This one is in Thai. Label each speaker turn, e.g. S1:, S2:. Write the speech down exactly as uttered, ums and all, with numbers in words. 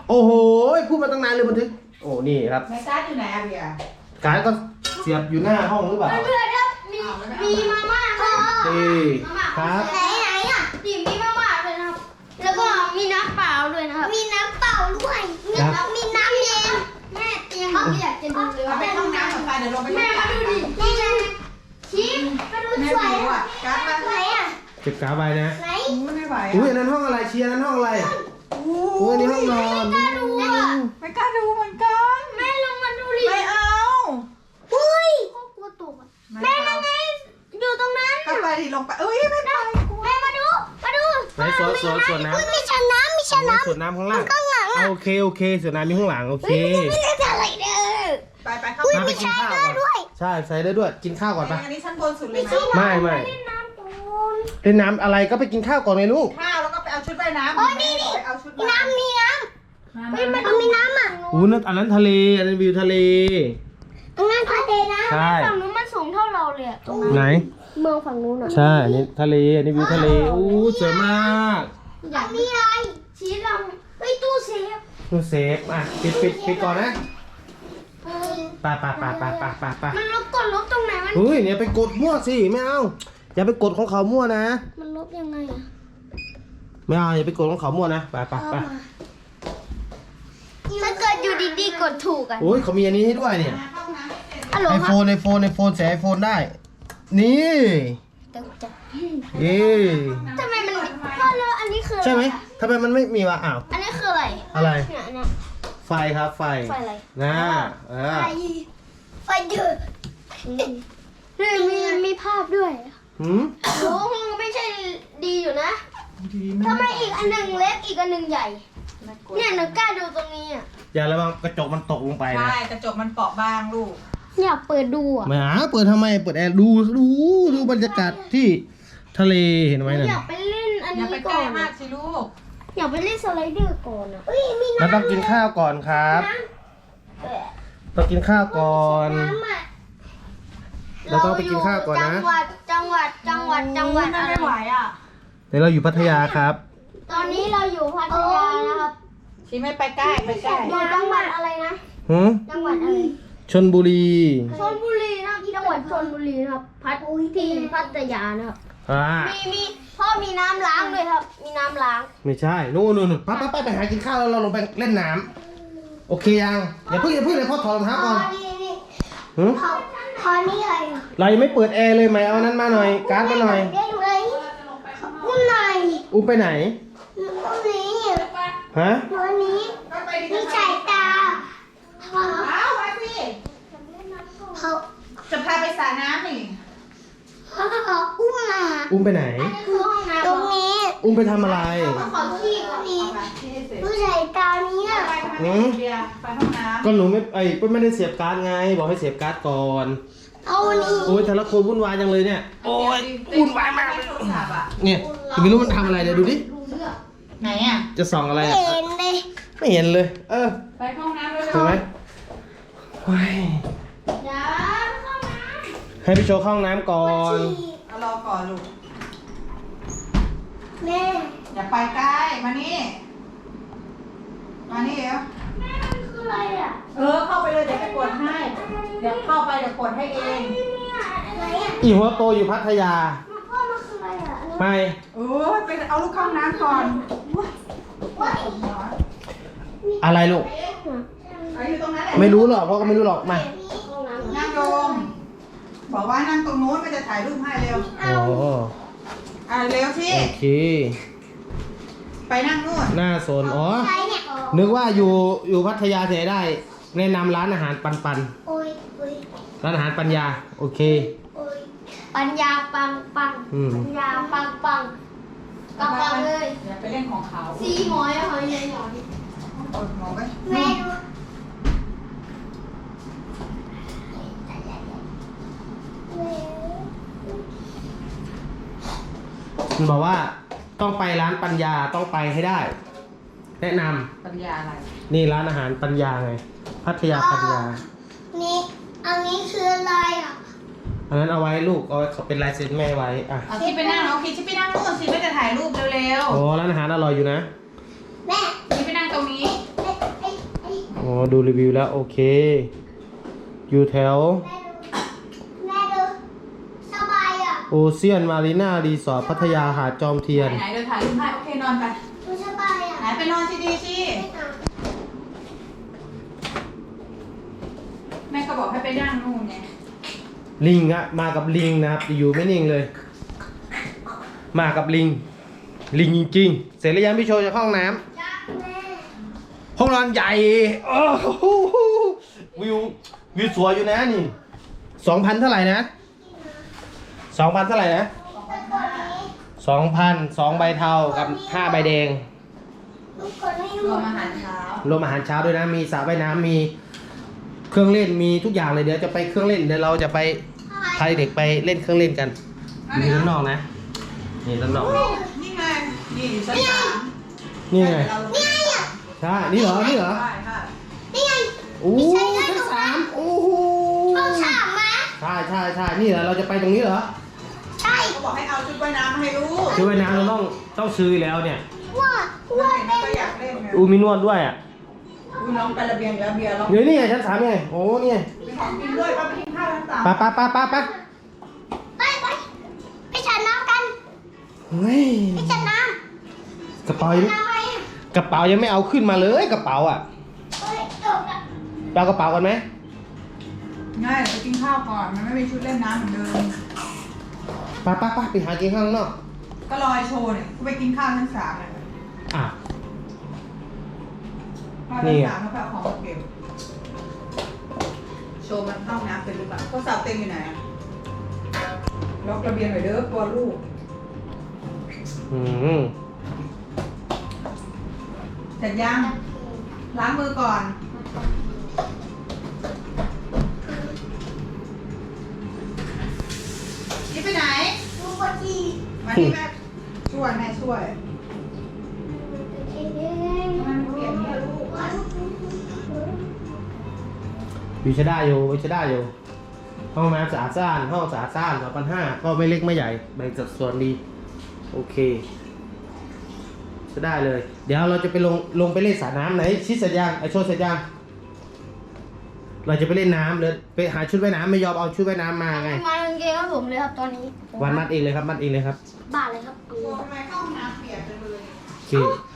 S1: โอ้โหพูดมาตั้งนานเลยบันทึกโอ้นี่ครับ
S2: แม่การ์ดอยู่ไหนอะเบียร์
S1: การก็เสียบอยู่หน้าห้องหรือเปล่า
S3: เพื่อนครับมีมีมาม่าครับ
S1: ดีครับ
S3: ไหนไหนอ่ะดิมีมาม่าเลยนะครับแล้วก็มีน้ำเปล่าด้วยนะครับมีน้ำเปล่าด้วยมีน้ำมีน้ำเย็นแม่ยังไม่อยากจะดูเลย
S2: เอาไปห้องน้ำกับไฟเดี๋ยวลงไป
S3: แม่มาดูดินี่ไงชิมมาดู
S2: แม่
S3: สวย
S2: ดู
S3: อ่ะ
S2: อ่ะการ์ดมา
S3: ไหนอ่ะ
S1: เก็บกาไว้นะ
S3: ไหน
S2: ไม่ไหว
S1: อุ้ยอั
S2: อ่ะ
S1: นนั้นห้องอะไรเชียร์นั้นห้องอะไรอุ้ยอันนี้ห้องนอน
S3: มาดูอ่ะ
S2: ไม่กล้าดูเหมือนกัน
S3: แม่ลงมาดูดิ
S2: ไม่เอา
S3: อุ้ยก็กลัวตกอ่ะแม่นั่งไงอยู่ตรงนั้น
S2: ก็ไปดิลงไปเอ้ยไม่ไป
S3: แม่มาดูมาดู
S1: ไหนสวนสวนสวนน้ำ
S3: มีชั้นน้ำมีชั้นน้ำ
S1: สวนน้ำข้างล่าง
S3: ข้างหลังอ่ะ
S1: โอเคโอเคสวนน้ำมีข้างหลังโอเค
S3: ไม่ได้อะไรเด้อ
S2: ไปไปเข้า
S1: น้ำไปกินข้าวก่อน
S3: ด้วย
S1: ใช่ใส่ได้ด้วยกินข้าวก่อนปะ
S2: อันนี้ชั้นบนสุดเลยนะ
S1: ไม่ไม่
S3: เล่นน้ำก่อน
S1: เล่นน้ำอะไรก็ไปกินข้าวก่อนเลยลูก
S2: ข้าวแล้วก็ไปเอาชุดว่ายน้ำ
S3: โอ้ยนี่นี่
S2: ไปเอาชุด
S3: มีน้ำมีน้ำเฮ้ยมันมีน้ำอ่ะ
S1: อู้นั่นอันนั้นทะเลอันนั้นวิวทะเล
S3: ตรงนั้นทะเลนะ
S1: ใช่
S3: ฝั่งนู้นมันสูงเท่าเราเลยอะตรง
S1: ไหน
S3: เมืองฝั่งนู้นอ่ะ
S1: ใช่อันนี้ทะเลอันนี้วิวทะเลอู้สวยมาก
S3: อยากมีอะไรชี้เราเฮ้ยตู้เซฟ
S1: ดูเซฟอ่ะปิดปิดปิดก่อนนะไปไปไปไปไปไปไป
S3: มันลบกดลบตรงไหนมัน
S1: เฮ้ยเนี่ยไปกดมั่วสิไม่เอาอย่าไปกดของเขามั่วนะ
S3: มันลบยังไงอ่ะ
S1: ไม่เอาอย่าไปกดของเขามั่วนะไปไปไป
S3: ถ้าเกิดอยู่ดีๆกดถูกอ่ะ
S1: โอ้ยเขามีอันนี้ให้ด้วยเนี่ย
S3: ฮัลโหล
S1: ไอ
S3: ค
S1: โฟ
S3: รับ
S1: นไอโฟนไอโฟนใส่ไอโฟนได้ นี่
S3: ตกใจ
S1: เย้
S3: ทำไมมันพ่อแล้วอันนี้คืออะร
S1: ใช่ไหม
S3: อะ
S1: ทำไมมันไม่มีวะอ้าว
S3: อันนี้คืออะไร
S1: อะไร
S3: เนี่ยเนี่ย
S1: ไฟครับไฟ
S3: ไฟอะไร
S1: นะเออ
S3: ไฟไฟเดือดนี่มีมีภาพด้วย
S1: หืม
S3: โอ้โหไม่ใช่ดีอยู่นะทำไมอีกอันหนึ่งเล็กอีกอันหนึ่งใหญ่ เนี่ยหนูกล้าดูตรงนี้อ่ะ
S1: อย่าระวังกระจกมันตกลงไปนะ
S2: ใช่กระจกมันเปราะบางลูก
S3: อยากเปิดดูอ่ะ
S1: แหมาเปิดทำไมเปิดแอร์ดูดูดูบรรยากาศที่ทะเลเห็นไหมน่ะ
S3: อยากไปเล่นอัน
S2: อย่า
S3: นี้
S2: ไปใก
S3: ก่
S2: ล้
S3: อน
S2: มา
S3: อะ
S2: กสิลูก
S3: อยากไปเล่นสไลเดอร์ก่อนอ่ะเอ้ยมี
S1: เรา
S3: น้ำ
S1: ต้องกินข้าวก่อนครับ
S3: เออ
S1: ต้องกินข้าวก่อน
S3: น้ำอะ
S1: เราต้องไปกินข้าวก่อนนะ
S3: จังหวัดจังหวัดจังหวัดจังหวัด
S2: ไม่
S3: อะไร
S2: ไม่ไหวอ่ะ
S1: เดี๋ยวเราอยู่พัทยาครับ
S3: ตอนนี้เราอยู่พัทยานะครับ
S2: ชีไม่ไปใกล้ไปใกล้
S3: อยู่จังหวัดอะไรนะ
S1: หืม
S3: จังหวัดอะไร
S1: ชนบุรี
S3: ชลบุรีนะครับจังหวัดชลบุรีนะครับพัทที่พัทยานะครับ
S1: อ่า
S3: มีมีพ่อมีน้ำล้างด้วยครับ มีน้ำล้าง
S1: ไม่ใช่นู่นนู่นไปไปไปไปหากินข้าวแล้วเราลงไปเล่นน้ำโอเคยังอย่าเพิ่งอย่าเพิ่งเลยพ่อถอดรองเท้าก่อน
S3: นี่นี่
S1: หืม
S3: เขาคอนี่อะไรอ่ะ
S1: เรายังไม่เปิดแอร์เลยไหมเอานั้นมาหน่อยการ์ดมาหน่อย
S3: เรียกเลยอุ้มหน่อย
S1: อุ้มไปไหน
S3: อุ้มนี้
S1: ฮะ
S3: ตัวนี้
S2: ก็ไปดิ
S3: มีสายตาเขา
S2: เอามาสิ
S3: เขา
S2: จะพาไปสระน้ำนี่
S3: เขาอุ้มมา
S1: อุ้มไปไหน
S3: คือห้องน้ำตรงนี้
S1: อุ้มไปทำอะไร
S3: ขอขี้ก็มี
S2: เอามาที่ให้เสร็จ
S3: ผู้ชายตานี้อ่ะ
S2: ไปทำไมไม่เบียร์ไปห้องน้ำ
S1: ก็หนูไม่ไอ้ยไม่ได้เสียบการ์ดไง บอกให้เสียบการ์ดก่อน
S3: เอานี้
S1: โอ้ยแต่ละคนวุ่นวายจังเลยเนี่ยโอ้ยวุ่นวายมากเลย
S2: โทรศัพท์อ่ะ
S1: เนี่ยจะไม่รู้มันทำอะไรเดี๋ยวดูดิ
S2: ไหนอ่ะ
S1: จะส่องอะไรอะ
S3: เห็นเลย
S1: ไม่เห็นเลย เออ
S2: ไปห้องน้ำเลย
S1: เห็นไหมโอ้ย
S3: เดี๋ยวเข้าน้
S1: ให้พี่โชว์เข้าห้องน้ำก่อน
S2: เอารอก่อนลูก
S3: ำแม่
S2: อย่าไปใกล้มานี่มานี่เดี๋ยว
S3: แม่มันคืออะไรอ่ะ
S2: เออเข้าไปเลยเดี๋ยวไปกดให้เดี๋ยวเข้าไปเดี๋ยวกดให้เอง
S3: เนี่ยอะไรอ่ะ
S1: อีหัวโตอยู่พัทยา
S3: มันพ่อมันคืออะไรอ่ะ
S1: ไม่
S2: โอ้ยไปเอาลูกเข้าห้องน้ำก่อน
S1: อะไรลูก
S2: ไปอยู่ตรงนั้นแหละ
S1: ไม่รู้หรอกพ่อก็ไม่รู้หรอกมา
S3: ห้องน้ำ
S2: นั่งลงบอกว่านั่งตรงนู้นมันจะถ่ายรูปให้เร็ว
S1: โอ้
S2: อ่ะเร็วสิ
S1: โอเค
S2: ไปนั่งนู่น
S1: หน้าโซนอ๋อ
S3: ใครเนี่ย
S1: นึกว่าอยู่อยู่พัทยาเสียได้แนะนำร้านอาหารปันปัน
S3: โอ้ยโอ้ย
S1: ร้านอาหารปัญญาโอเค
S3: โอ้ยปัญญาปังปัง
S1: อืม
S3: ปัญญาปังปังปังปังเลย
S2: อย่าไปเล่นของเขา
S3: สีหมอยหอยใหญ่หอย
S2: กดหมอไว้
S3: แม่ดู
S1: มันบอกว่าต้องไปร้านปัญญาต้องไปให้ได้ แนะนำ
S2: ปัญญาอะไร
S1: นี่ร้านอาหารปัญญาไงพัทยาปัญญา
S3: นี่อันนี้คืออะไรอ่ะ
S1: อันนั้นเอาไว้ลูกเอาไว้เขาเป็นลายเซ็นแม่ไว้อ่ะ
S2: เอาที่ไปนั่งเอาคิดที่ไปนั่งนู่นสิไม่จะถ่ายรูปเร็ว
S1: โอ้ร้านอาหารอร่อยอยู่นะ
S3: แม่
S2: ๆที่ไปนั่งตรงนี้
S3: แม่
S1: อ๋อดูรีวิวแล้วโอเค อยู่แถว
S3: แม่ดูสบายอ่ะ
S1: โอเชียนมารีนารีสอร์ทพัทยาหาดจอมเทียน
S2: ไหนๆเดี๋ยวถ่ายรูปให้โอเคนอนไป
S3: ดูสบายอ่ะ
S2: ไหนไปนอนที่ดีสิแม่ก็บอกให้ไปนั่งนู่นไง
S1: ลิงอะมากับลิงนะครับอยู่ไม่นิ่งเลย มากับลิง ลิงจริงๆเสร็จแล้วยังพี่โชว์จะเข้าห้องน้ำ
S3: จ้าแม่
S1: ห้องนอนใหญ่โอ้โหวิววิวสวยอยู่นะนี่สองพันเท่าไหร่นะสองพันเท่าไหร่นะ
S3: เป็นคนนี้
S1: สองพันสองใบเทากับห้าใบแดง
S3: ลูกคนนี้
S2: รวมอาหารเช้าร
S1: วมอาหารเช้าด้วยนะมีสระว่ายน้ำมีเครื่องเล่นมีทุกอย่างเลยเดี๋ยวจะไปเครื่องเล่นเดี๋ยวเราจะไปพาเด็กไปเล่นเครื่องเล่นกันนี่ด้านนอกนะนี่ด้านนอก
S2: นี่ไงนี่อยู่ชั้นสาม
S1: นี่ไง
S2: เราลง
S3: นี่ไงอ่ะ
S1: ใช่นี่เหรอนี่เหรอ
S2: ได้ค่ะ
S3: นี่ไง
S1: โอ้ชั้นสามโอ้โห
S3: ห้องฉากมา
S1: ใช่ใช่ใช่นี่เหรอเราจะไปตรงนี้เหรอ
S3: ใช่
S2: เขาบอกให้เอาชุดว่ายน้ำมาให้ลูก
S1: ชุดว่ายน้ำเราต้องต้องซื้อแล้วเนี่ย
S3: ว่า
S2: เพื่
S3: ว่า
S2: อนเห็น
S3: เป็
S2: ก็
S3: น
S2: อยากเล่นไง
S1: อูมีนวดด้วยอ่ะ
S2: ดูน้องไประเบียงแล้วเบียร์เรา
S1: เดี๋ยวนี่ไงชั้นสามไงโอ้เนี่ย
S2: มีของกินด้วยป้าไปกินข้าวชั้นสาม
S1: ไปไปไปไปไป
S3: ไปไปไปฉันน้ำกัน
S1: เฮ้ย
S3: ไปฉันน้
S1: กระเป๋า
S3: ำ
S1: ยัง
S3: น้ำอะไรอ่ะ
S1: กระเป๋ายังไม่เอาขึ้นมาเลยกระเป๋าอ่ะ
S3: เฮ้ยจบละ
S1: ไปเอากระเป๋ากันไหม
S2: ง่ายเดี๋ยวไปกินข้าวก่อนมันไม่มีชุดเล่นน้ำเหมือนเดิม
S1: ไปไปไปไปหากินข้างนอก
S2: ก็รอไอโชว์เนี่ยกูไปกินข้าวชั้นสามเลย
S1: อ่ะ
S2: ข้าวชั้นสามแล้วก็เอาของมาเก็บโชว์มันเข้าน้ำเป็นหรือเปล่าก็สาวเต็มอยู่ไหนอะล็อกระเบียงหน่อยเด้อกลัวลูก
S1: อืม
S2: เสร็จยังล้างมือก่อนนี่ไปไหน
S3: ลูกคนที่
S2: มาที่แม่ช่วยแม่ช่วยมันเปลี่ยนเนี่ยลูก
S1: วิชได้อยู่วิชได้อยู่ห้องน้ำสะอาดสะอาดห้องสะอาดสะอาดสองพันห้าก็ไม่เล็กไม่ใหญ่แบ่งสัดส่วนดีโอเคจะได้เลย เดี๋ยวเราจะไปลงลงไปเล่นสระน้ำไหนชิดเสร็จยังไอโชว์เสร็จยังเราจะไปเล่นน้ำเลยไปหาชุดว่ายน้ำไม่ยอมเอาชุดว่ายน้ำมาไง
S3: มากางเกงของผมเลยครับตอนนี้
S1: วันมัดเองเลยครับมัดเองเลยครับ
S3: บ้าเลยครับ
S2: ตัวทำไมเข้าห้องน้ำเปียกจังเลย
S1: โอเค